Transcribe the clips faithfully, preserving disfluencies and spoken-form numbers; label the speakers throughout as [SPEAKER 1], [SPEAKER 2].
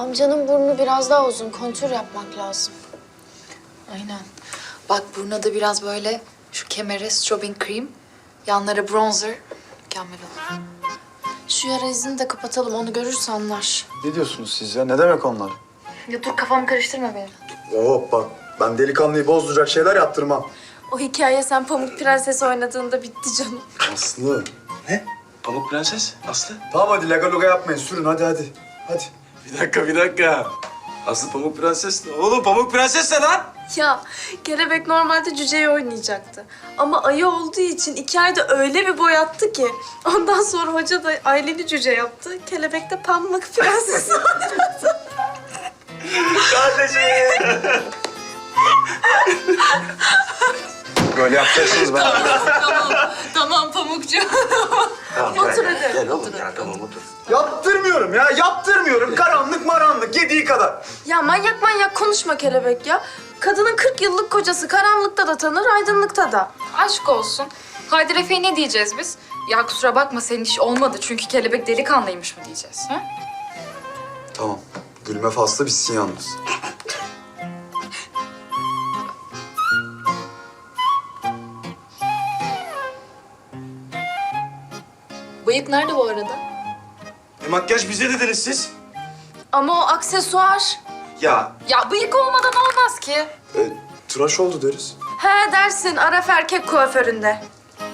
[SPEAKER 1] Amcanın burnu biraz daha uzun. Kontür yapmak lazım.
[SPEAKER 2] Aynen. Bak burnuna da biraz böyle şu kemere strobing cream, yanlara bronzer. Mükemmel olur.
[SPEAKER 1] Şu yara izini de kapatalım. Onu görürse anlar.
[SPEAKER 3] Ne diyorsunuz siz ya? Ne demek onlar?
[SPEAKER 2] Ya dur kafamı karıştırma benim.
[SPEAKER 3] Hop bak, ben delikanlıyı bozduracak şeyler yaptırmam.
[SPEAKER 1] O hikaye sen Pamuk Prenses oynadığında bitti canım.
[SPEAKER 3] Aslı.
[SPEAKER 4] Ne? Pamuk Prenses? Aslı?
[SPEAKER 3] Tamam hadi lagaluga yapmayın. Sürün hadi hadi. Hadi.
[SPEAKER 4] Bir dakika, bir dakika. Aslı Pamuk Prenses ne? Oğlum Pamuk Prenses ne lan?
[SPEAKER 1] Ya kelebek normalde cüceyi oynayacaktı. Ama ayı olduğu için iki ayda öyle bir boyattı ki. Ondan sonra hoca da Aylin'i cüce yaptı. Kelebek de Pamuk Prenses oynadı.
[SPEAKER 4] Kardeşim.
[SPEAKER 3] Böyle yapacaksınız ben.
[SPEAKER 1] tamam, tamam Pamukcu.
[SPEAKER 4] Tamam,
[SPEAKER 1] Otur
[SPEAKER 4] gel,
[SPEAKER 1] hadi.
[SPEAKER 4] Gel oğlum ya, tamam otur.
[SPEAKER 3] Yaptırmıyorum ya, yaptırmıyorum. Karanlık maranlık, yediği kadar.
[SPEAKER 1] Ya manyak manyak konuşma kelebek ya. Kadının kırk yıllık kocası karanlıkta da tanır, aydınlıkta da.
[SPEAKER 2] Aşk olsun. Haydi Efe'ye ne diyeceğiz biz? Ya kusura bakma senin iş olmadı çünkü kelebek delikanlıymış mı diyeceğiz? Ha?
[SPEAKER 3] Tamam, gülme faslı bitsin yalnız.
[SPEAKER 2] Bıyık nerede bu arada?
[SPEAKER 4] E, makyaj bize dediniz siz.
[SPEAKER 1] Ama o aksesuar.
[SPEAKER 4] Ya
[SPEAKER 2] Ya bıyık olmadan olmaz ki.
[SPEAKER 3] E, tıraş oldu deriz.
[SPEAKER 1] He dersin Araf erkek kuaföründe.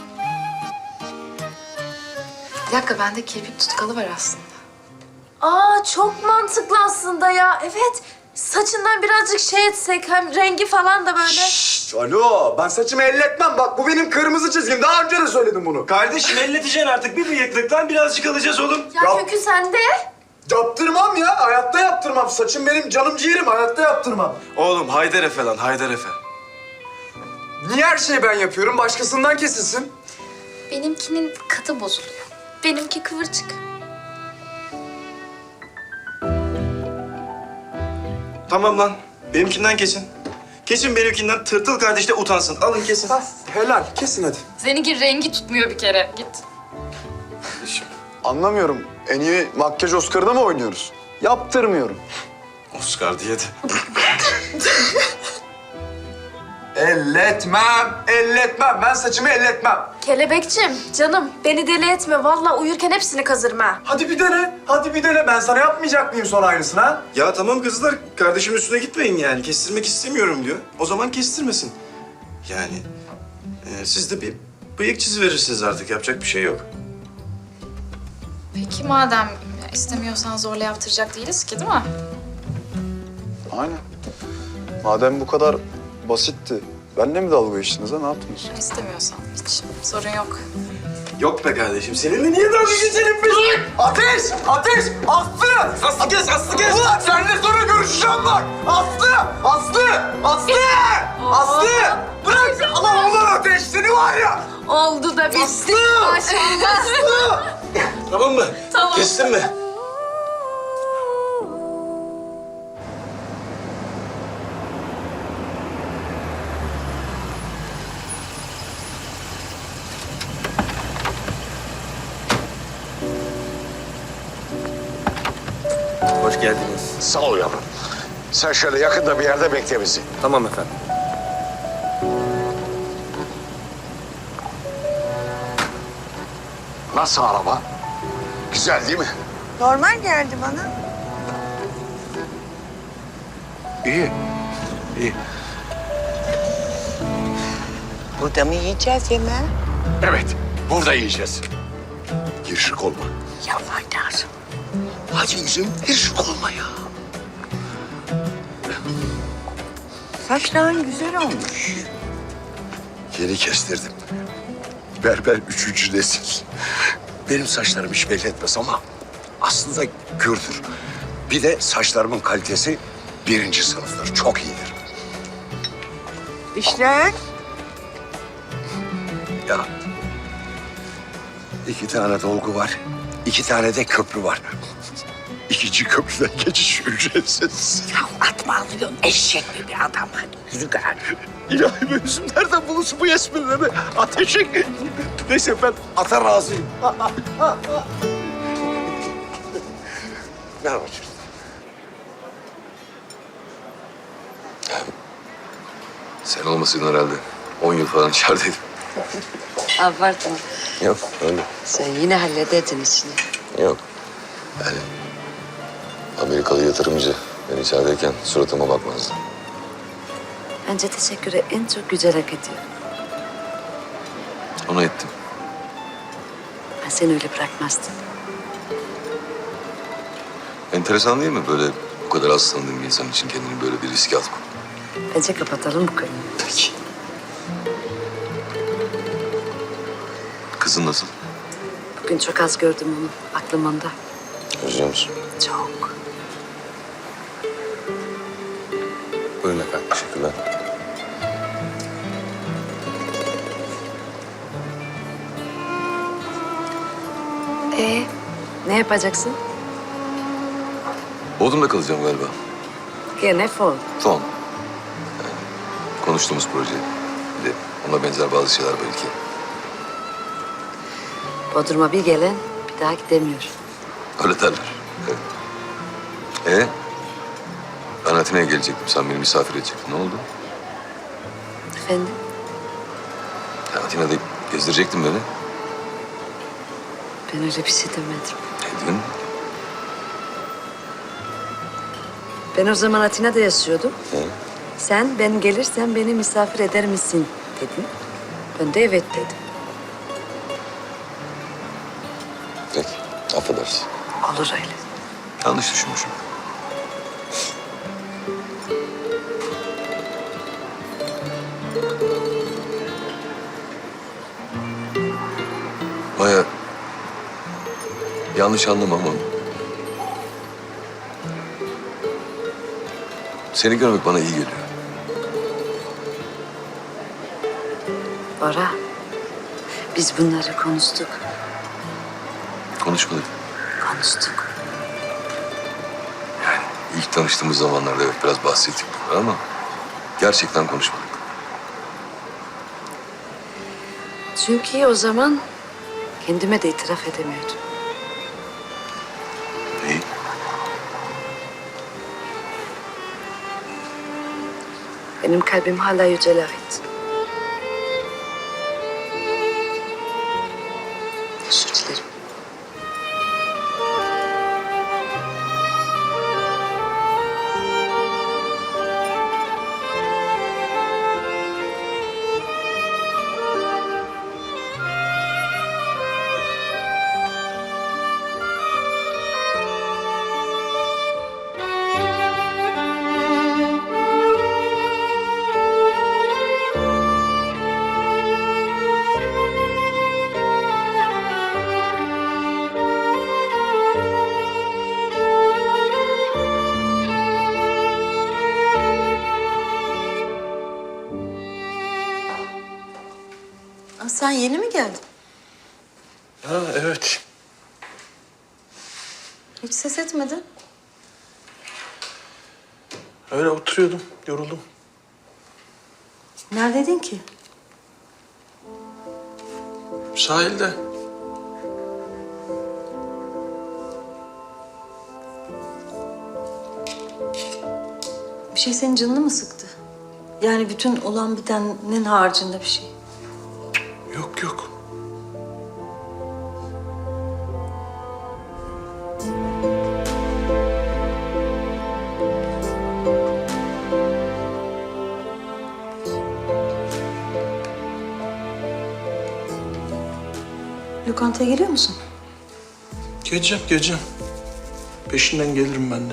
[SPEAKER 2] Bir dakika bende kirpik tutkalı var aslında.
[SPEAKER 1] Aa çok mantıklı aslında ya. Evet. Saçından birazcık şey etsek hem rengi falan da böyle.
[SPEAKER 3] Şşş, alo, ben saçımı elletmem. Bak bu benim kırmızı çizgim. Daha önce de söyledim bunu.
[SPEAKER 4] kardeşim elleteceksin artık. Bir bıyıklıktan birazcık alacağız oğlum.
[SPEAKER 1] Ya,
[SPEAKER 3] Ya-
[SPEAKER 1] kökü sende.
[SPEAKER 3] Yaptırmam ya, hayatta yaptırmam. Saçım benim canım ciğerim, hayatta yaptırmam.
[SPEAKER 4] Oğlum Haydar Efe lan, Haydar Efe.
[SPEAKER 3] Niye her şeyi ben yapıyorum? Başkasından kesilsin.
[SPEAKER 2] Benimkinin katı bozuluyor.
[SPEAKER 1] Benimki kıvırcık.
[SPEAKER 4] Tamam lan, benimkinden kesin. Kesin benimkinden, tırtıl kardeş de utansın. Alın kesin.
[SPEAKER 3] Helal, kesin hadi.
[SPEAKER 2] Seninki rengi tutmuyor bir kere. Git.
[SPEAKER 3] Anlamıyorum. En iyi makyaj Oscar'da mı oynuyoruz? Yaptırmıyorum.
[SPEAKER 4] Oscar diye de.
[SPEAKER 3] Elletmem, elletmem. Ben saçımı elletmem.
[SPEAKER 1] Kelebekçim, canım beni deli etme. Vallahi uyurken hepsini kazırım ha.
[SPEAKER 3] Hadi bir dene, hadi bir dene. Ben sana yapmayacak mıyım sonra aynısını ha?
[SPEAKER 4] Ya tamam kızlar, kardeşimin üstüne gitmeyin yani. Kestirmek istemiyorum diyor. O zaman kestirmesin. Yani e, siz de bir bıyık çiziverirsiniz artık. Yapacak bir şey yok.
[SPEAKER 2] Peki madem istemiyorsan zorla yaptıracak değiliz ki değil mi?
[SPEAKER 3] Aynen. Madem bu kadar basitti, benimle mi dalga geçtiniz ha? Ne yaptınız?
[SPEAKER 2] İstemiyorsan hiç sorun yok.
[SPEAKER 4] Yok be kardeşim, seninle niye dalga geçelim biz?
[SPEAKER 3] Ateş! Ateş! Aslı!
[SPEAKER 4] Aslı kes, Aslı kes!
[SPEAKER 3] Ulan seninle sonra görüşeceğim bak! Aslı! Aslı! Aslı! Aslı! Bırak! Aman ulan ateş seni var ya!
[SPEAKER 1] Oldu da bitti.
[SPEAKER 3] Aslı! Aslı!
[SPEAKER 4] Tamam mı?
[SPEAKER 1] Tamam.
[SPEAKER 4] Kestin mi? Hoş geldiniz.
[SPEAKER 5] Sağ ol yavrum. Sen şöyle yakında bir yerde bekle bizi.
[SPEAKER 4] Tamam efendim.
[SPEAKER 5] Nasıl araba? Güzel değil mi?
[SPEAKER 6] Normal geldi bana.
[SPEAKER 5] İyi. İyi.
[SPEAKER 6] Burada mı yiyeceğiz yemeği?
[SPEAKER 5] Evet, burada yiyeceğiz. Girişik olma.
[SPEAKER 6] Ya Haydar.
[SPEAKER 5] Hadi yüzüm, girişik olma ya.
[SPEAKER 6] Saçların güzel olmuş.
[SPEAKER 5] Yeni kestirdim. Berber üçüncü nesil. Benim saçlarım hiç belli etmez ama aslında gürdür. Bir de saçlarımın kalitesi birinci sınıftır. Çok iyidir.
[SPEAKER 6] İşler?
[SPEAKER 5] Ya iki tane dolgu var, iki tane de köprü var. İkinci köprüden geçiş ücretsiz.
[SPEAKER 6] Ya atma alıyorsun eşek gibi bir adam. Hadi yürü gari.
[SPEAKER 5] İlahi be yüzüm nereden bulursun bu esprileri? Ateşe... Neyse ben ata razıyım. Ne yapacağız?
[SPEAKER 7] Sen olmasaydın herhalde on yıl falan içerideydim.
[SPEAKER 6] Abartma.
[SPEAKER 7] Yok öyle.
[SPEAKER 6] Sen yine hallederdin işini.
[SPEAKER 7] Yok. Yani Amerikalı yatırımcı ben içerideyken suratıma bakmazdı.
[SPEAKER 6] Bence teşekkürü en çok güzel hak ediyor.
[SPEAKER 7] Ona ettim.
[SPEAKER 6] Ben seni öyle bırakmazdım.
[SPEAKER 7] Enteresan değil mi böyle bu kadar az tanıdığım bir insan için kendini böyle bir riske atmak?
[SPEAKER 6] Bence kapatalım bu konuyu.
[SPEAKER 7] Peki. Kızın nasıl?
[SPEAKER 6] Bugün çok az gördüm onu. Aklım onda.
[SPEAKER 7] Özlüyor musun?
[SPEAKER 6] Çok.
[SPEAKER 7] Buyurun efendim. Teşekkürler.
[SPEAKER 6] Ee, ne yapacaksın?
[SPEAKER 7] Bodrum'da kalacağım galiba.
[SPEAKER 6] Gene fon.
[SPEAKER 7] Son. Yani konuştuğumuz proje. Bir de ona benzer bazı şeyler belki.
[SPEAKER 6] Bodrum'a bir gelen bir daha gidemiyor.
[SPEAKER 7] Öyle derler. Evet. Ee? Ben Atina'ya gelecektim. Sen beni misafir edecektin. Ne oldu?
[SPEAKER 6] Efendim?
[SPEAKER 7] Ya Atina'da gezdirecektin beni.
[SPEAKER 6] Ben öyle bir şey demedim.
[SPEAKER 7] Ne dedin?
[SPEAKER 6] Ben o zaman Atina'da yaşıyordum.
[SPEAKER 7] Hı?
[SPEAKER 6] Sen ben gelirsen beni misafir eder misin dedin. Ben de evet dedim.
[SPEAKER 7] Peki. Affedersin.
[SPEAKER 6] Olur öyle.
[SPEAKER 7] Yanlış düşünmüşüm. Maya, yanlış anlama ama seni görmek bana iyi geliyor.
[SPEAKER 6] Bora, biz bunları konuştuk.
[SPEAKER 7] Konuşmadık.
[SPEAKER 6] Konuştuk.
[SPEAKER 7] Yani ilk tanıştığımız zamanlarda evet biraz bahsettik bunları ama gerçekten konuşmadık.
[SPEAKER 6] Çünkü o zaman kendime de itiraf edemiyordum.
[SPEAKER 7] İyi.
[SPEAKER 6] Benim kalbim hala Yücel'e ait. Özür dilerim.
[SPEAKER 1] Aa, sen yeni mi geldin?
[SPEAKER 4] Ha evet.
[SPEAKER 1] Hiç ses etmedin.
[SPEAKER 4] Öyle oturuyordum, yoruldum.
[SPEAKER 1] Neredeydin ki?
[SPEAKER 4] Sahilde.
[SPEAKER 8] Bir şey senin canını mı sıktı? Yani bütün olan bitenin haricinde bir şey.
[SPEAKER 4] Yok yok.
[SPEAKER 8] Lokantaya geliyor musun?
[SPEAKER 4] Geleceğim, geleceğim. Peşinden gelirim ben de.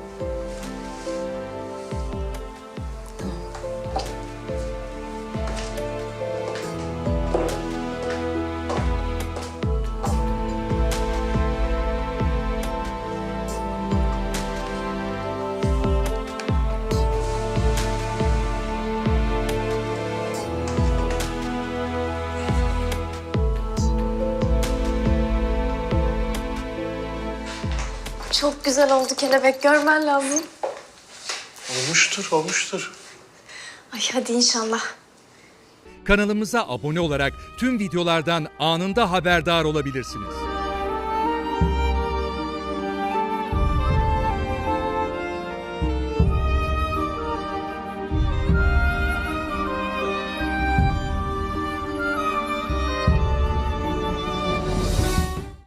[SPEAKER 1] Çok güzel oldu kelebek. Görmen lazım.
[SPEAKER 4] Olmuştur, olmuştur.
[SPEAKER 1] Ay hadi inşallah.
[SPEAKER 9] Kanalımıza abone olarak tüm videolardan anında haberdar olabilirsiniz.